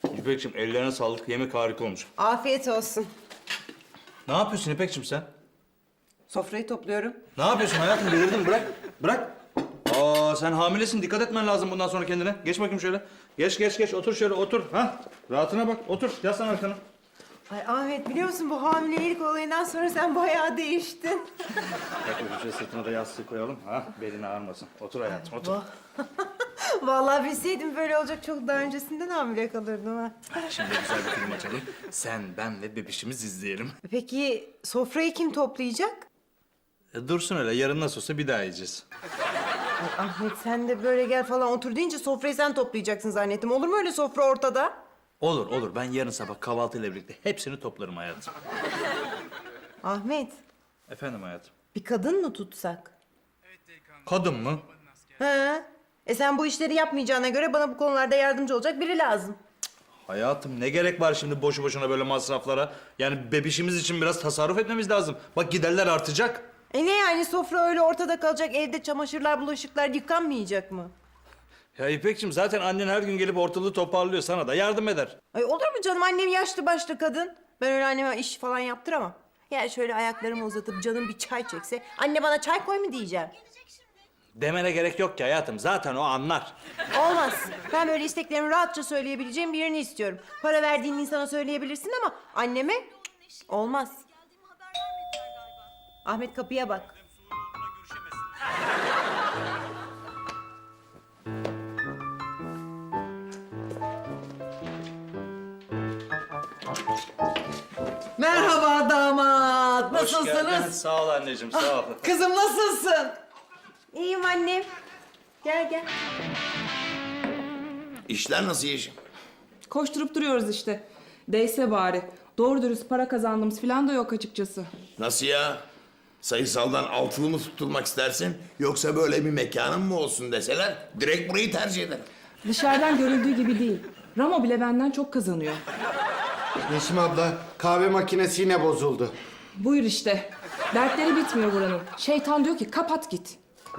İpekciğim ellerine sağlık. Yemek harika olmuş. Afiyet olsun. Ne yapıyorsun İpekciğim sen? Sofrayı topluyorum. Ne yapıyorsun hayatım? Delirdin bırak. Bırak. Aa sen hamilesin. Dikkat etmen lazım bundan sonra kendine. Geç bakayım şöyle. Geç. Otur şöyle otur. Ha? Rahatına bak. Otur. Yaslan arkana. Ay Ahmet biliyor musun bu hamilelik olayından sonra sen bayağı değiştin. Bak şöyle sırtına da yastığı koyalım. Ha? Belin ağrımasın. Otur hayatım otur. Vallahi bilseydim böyle olacak çok daha öncesinden hamile kalırdım ha. Şimdi güzel bir film açalım. Sen, ben ve bebişimiz izleyelim. Peki sofrayı kim toplayacak? Dursun öyle. Yarın nasıl olsa bir daha yiyeceğiz. Ay Ahmet sen de böyle gel falan otur deyince sofrayı sen toplayacaksın zannettim. Olur mu öyle sofra ortada? Olur. Ben yarın sabah kahvaltıyla birlikte hepsini toplarım hayatım. Ahmet Efendim hayatım. bir kadın mı tutsak? Kadın mı? He? Sen bu işleri yapmayacağına göre bana bu konularda yardımcı olacak biri lazım. Hayatım ne gerek var şimdi boşu boşuna böyle masraflara? Yani bebişimiz için biraz tasarruf etmemiz lazım. Bak giderler artacak. Ne yani sofra öyle ortada kalacak, evde çamaşırlar, bulaşıklar yıkanmayacak mı? Ya İpekciğim zaten annen her gün gelip ortalığı toparlıyor, sana da yardım eder. Ay olur mu canım, annem yaşlı başlı kadın. Ben öyle anneme iş falan yaptıramam. Yani şöyle ayaklarımı uzatıp canım bir çay çekse, anne bana çay koy mu diyeceğim. Demene gerek yok ki hayatım, zaten o anlar. Olmaz. Ben böyle isteklerimi rahatça söyleyebileceğim birini istiyorum. Para verdiğin insana söyleyebilirsin ama anneme olmaz. Ahmet kapıya bak. Merhaba damat. Hoş geldin. Nasılsınız? Sağ ol anneciğim, sağ ol. Kızım nasılsın? İyiyim annem. Gel. İşler nasıl Yeşim? Koşturup duruyoruz işte. Değse bari. Doğru dürüst para kazandığımız falan da yok açıkçası. Nasıl ya? Sayısaldan altılı mı tutulmak istersin? Yoksa böyle bir mekanın mı olsun deseler direkt burayı tercih ederim. Dışarıdan görüldüğü gibi değil. Ramo bile benden çok kazanıyor. Yeşim abla, kahve makinesi yine bozuldu. Buyur işte. Dertleri bitmiyor buranın. Şeytan diyor ki kapat git.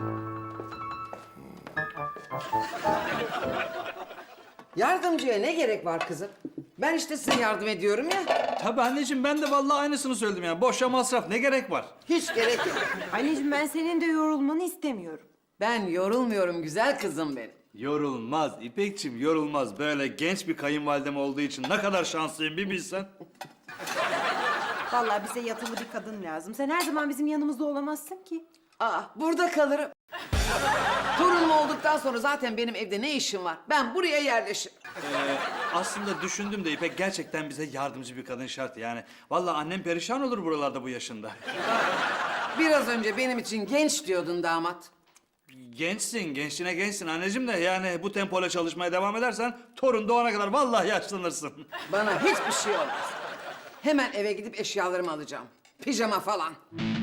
Yardımcıya ne gerek var kızım? Ben işte size yardım ediyorum ya. Tabii anneciğim, ben de vallahi aynısını söyledim yani. Boşa masraf, ne gerek var? Hiç gerek yok. Anneciğim ben senin de yorulmanı istemiyorum. Ben yorulmuyorum güzel kızım benim. Yorulmaz İpekciğim, yorulmaz. Böyle genç bir kayınvalidem olduğu için ne kadar şanslıyım bir bilsen. Vallahi bize yatılı bir kadın lazım. Sen her zaman bizim yanımızda olamazsın ki. Burada kalırım. Torunum olduktan sonra zaten benim evde ne işim var? Ben buraya yerleşirim. Aslında düşündüm de İpek, gerçekten bize yardımcı bir kadın şart yani. Vallahi annem perişan olur buralarda bu yaşında. Biraz önce benim için genç diyordun damat. Gençsin, gençsin anneciğim de yani bu tempoyla çalışmaya devam edersen torun doğana kadar vallahi yaşlanırsın. Bana hiçbir şey olmaz. Hemen eve gidip eşyalarımı alacağım. Pijama falan.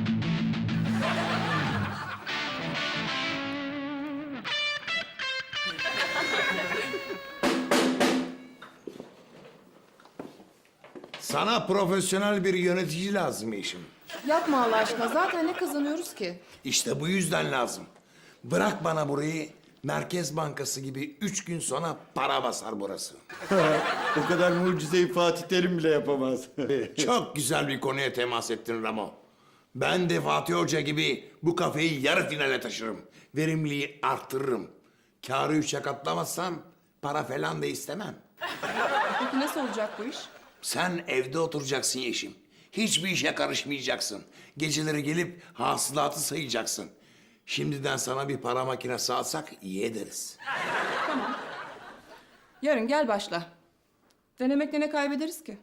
Sana profesyonel bir yönetici lazım Yeşim. Yapma Allah aşkına. Zaten ne kazanıyoruz ki? İşte bu yüzden lazım. Bırak bana burayı, Merkez Bankası gibi 3 gün sonra para basar burası. O kadar mucizeyi Fatih Terim bile yapamaz. Çok güzel bir konuya temas ettin Ramo. Ben de Fatih Hoca gibi bu kafeyi yarı finale taşırım. Verimliliği arttırırım. Kârı 3'e katlamazsam para falan da istemem. Peki nasıl olacak bu iş? Sen evde oturacaksın Yeşim. Hiçbir işe karışmayacaksın. Geceleri gelip hasılatı sayacaksın. Şimdiden sana bir para makinesi alsak iyi ederiz. Yarın gel başla. Denemekle ne kaybederiz ki?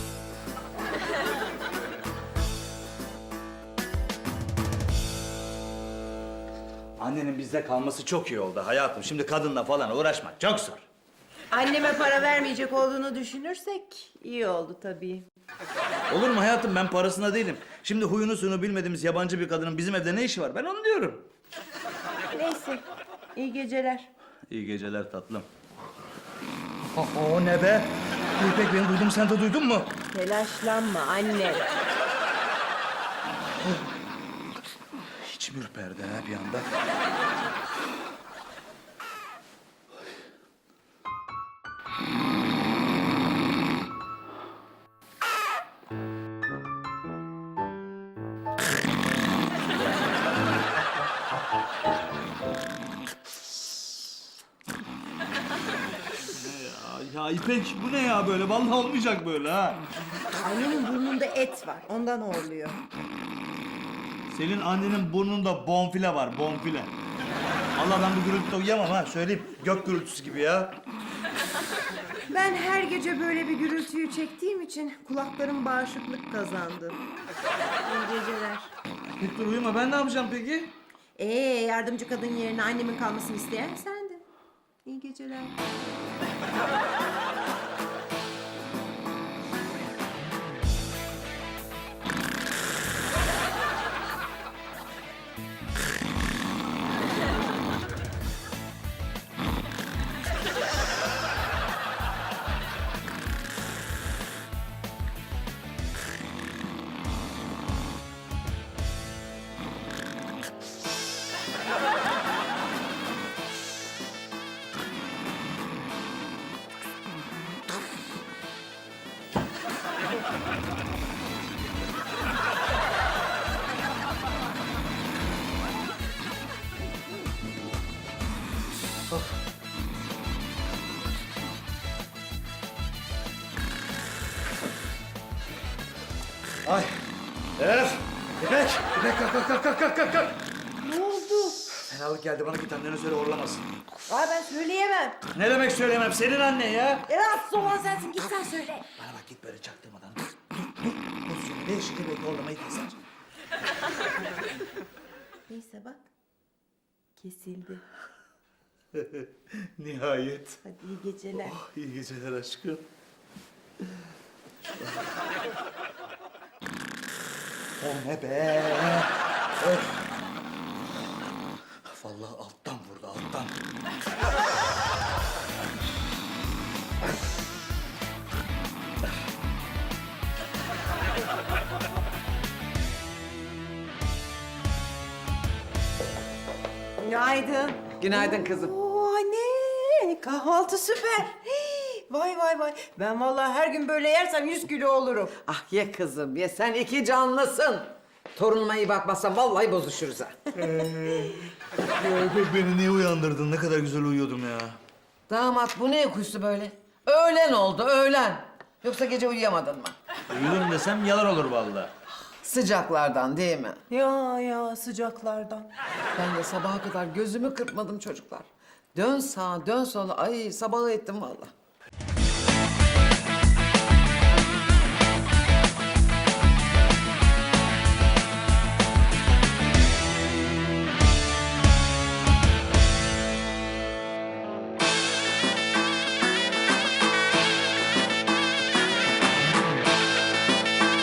Annenin bizde kalması çok iyi oldu hayatım. Şimdi kadınla falan uğraşmak çok zor. Anneme para vermeyecek olduğunu düşünürsek iyi oldu tabii. Olur mu hayatım, ben parasına değilim. Şimdi huyunu suyunu bilmediğimiz yabancı bir kadının bizim evde ne işi var? Ben onu diyorum. Neyse, iyi geceler. İyi geceler tatlım. O ne be? İpek, beni duydum, sen de duydun mu? Telaşlanma anne. İçim ürperdi ha bir anda. Ya İpek bu ne ya böyle? Vallahi olmayacak böyle ha. Annemin burnunda et var. Ondan horluyor. Senin annenin burnunda bonfile var, bonfile. Allah ben bu gürültüde uyuyamam ha, söyleyeyim. Gök gürültüsü gibi ya. Ben her gece böyle bir gürültüyü çektiğim için kulaklarım bağışıklık kazandı. İyi geceler. İpek dur uyuma, ben ne yapacağım peki? Yardımcı kadın yerine annemin kalmasını isteyen sendin. İyi geceler. Ay. İpek! İpek kalk. Ne oldu? Fenalık geldi, bana git annene söyle horlamasın. Ben söyleyemem. Ne demek söyleyemem, senin annen ya. Rahatsız olan sensin. Git sen söyle. Bana bak git böyle çaktırmadan. Dur. Pozisyonu değişik belki horlamayı keser. Neyse bak. Kesildi. Nihayet. Hadi iyi geceler. İyi geceler aşkım. O ne be? Öf. Vallahi alttan vurdu, alttan. Günaydın. Günaydın kızım. Oo anne. Kahvaltı süper. Vay. Ben vallahi her gün böyle yersem 100 kilo olurum. Ah ye kızım ye, sen iki canlısın. Torunuma iyi bakmazsan vallahi bozuşuruz ha. Beni niye uyandırdın? Ne kadar güzel uyuyordum ya. Damat bu ne kuştu böyle? Öğlen oldu öğlen. Yoksa gece uyuyamadın mı? Uyudum desem yalan olur vallahi. Sıcaklardan değil mi? Ya sıcaklardan. Ben de sabaha kadar gözümü kırpmadım çocuklar. Dön sağa dön sola, ay sabahı ettim vallahi.